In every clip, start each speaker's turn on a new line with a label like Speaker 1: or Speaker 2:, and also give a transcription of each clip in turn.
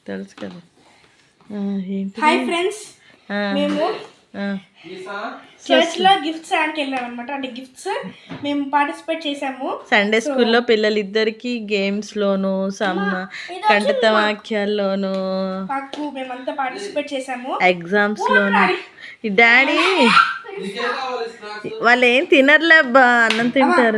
Speaker 1: తెలుసు కదా. ఏంటి?
Speaker 2: హాయ్ ఫ్రెండ్స్, మేము చర్చ్ లో గిఫ్ట్స్ ఆడికి వెళ్ళాం అనమాట. అంటే గిఫ్ట్స్ మేము పార్టిసిపేట్ చేసాము.
Speaker 1: సండే స్కూల్లో పిల్లలిద్దరికి గేమ్స్ లోను కంఠిత వాక్యాల్లోను
Speaker 2: మాకు మేమంతా పార్టిసిపేట్ చేసాము.
Speaker 1: ఎగ్జామ్స్ లోను. ఈ డాడీ వాళ్ళు ఏం తినర్లే అబ్బా, అన్నం తింటారు.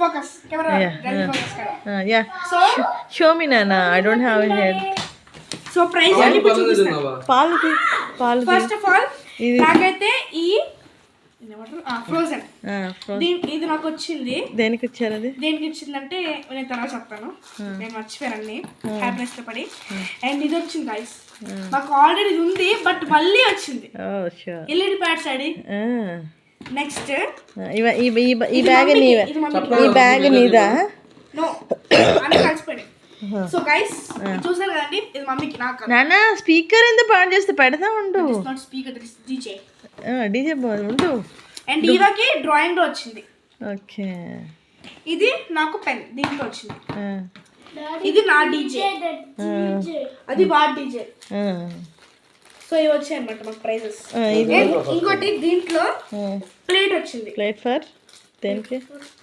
Speaker 1: షో మీ నాన్న, I don't have head.
Speaker 2: So prize
Speaker 1: పాలు
Speaker 2: ఫస్ట్ ఆఫ్ ఆల్ నాకైతే ఈ ఫ్రోజన్ ఇది నాకు వచ్చింది.
Speaker 1: దేనికి వచ్చారు? అది
Speaker 2: దేనికి వచ్చిందంటే నేను తర్వాత చెప్తాను, నేను మర్చిపోయాను హ్యాపీనెస్ తో పడి. అండ్ ఇది వచ్చింది గైస్, మాకు ఆల్రెడీ ఇది ఉంది బట్ మళ్ళీ వచ్చింది ఎల్ఈడి ప్యాడ్స్. అది నెక్స్ట్
Speaker 1: ఈ బ్యాగ్ నీదా?
Speaker 2: నో, అన్ని కలిసిపోయాయి. సో గైస్ చూసారు కదండి, ఇది మమ్మీకి. నాకు
Speaker 1: నాన్న స్పీకర్ ఎందుకు పాడు చేస్తే పెడతా ఉండు.
Speaker 2: Not speaker, this DJ.
Speaker 1: DJ ఉండు.
Speaker 2: అండ్ ఈరోకి డ్రాయింగ్ లో వచ్చింది.
Speaker 1: ఓకే,
Speaker 2: ఇది నాకు పెన్ దీంట్లో వచ్చింది. ఇది నా డీజే, అది వాట్ డీజే. సో ఇవి వచ్చాయి అనమాట మాకు ప్రైజెస్. ఇంకోటి దీంట్లో ప్లేట్ వచ్చింది.
Speaker 1: ప్లేట్ ఫర్ దేనికి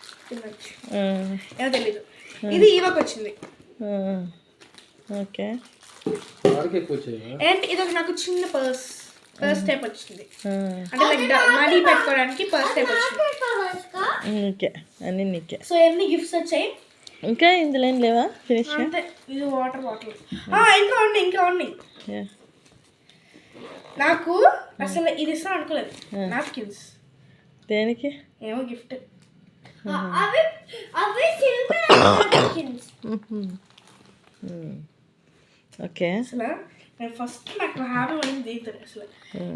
Speaker 2: ఏమో తెలీదు. ఇది ఈవకి వచ్చింది.
Speaker 1: ఓకే.
Speaker 2: అండ్ ఇది నాకు చిన్న పర్స్ టైప్ వచ్చింది. అంటే లైక్ మనీ పెట్టుకోవడానికి పర్స్ టైప్ వచ్చింది.
Speaker 1: ఓకే, అన్ని నీకే.
Speaker 2: సో ఎన్ని గిఫ్ట్స్ వచ్చాయి?
Speaker 1: ఇంకా ఇందులో ఏం లేవా? ఫినిష్.
Speaker 2: ఇది వాటర్ బాటిల్. ఇంకా ఉన్నాయి. నాకు అసలు ఇది ఇస్తాను అనుకోలేదు. నాప్కిన్స్
Speaker 1: దేనికి?
Speaker 2: ఏమో గిఫ్ట్.
Speaker 1: ఓకే.
Speaker 2: అసలు నేను ఫస్ట్ నాకు హ్యాపీ పడింది అసలు.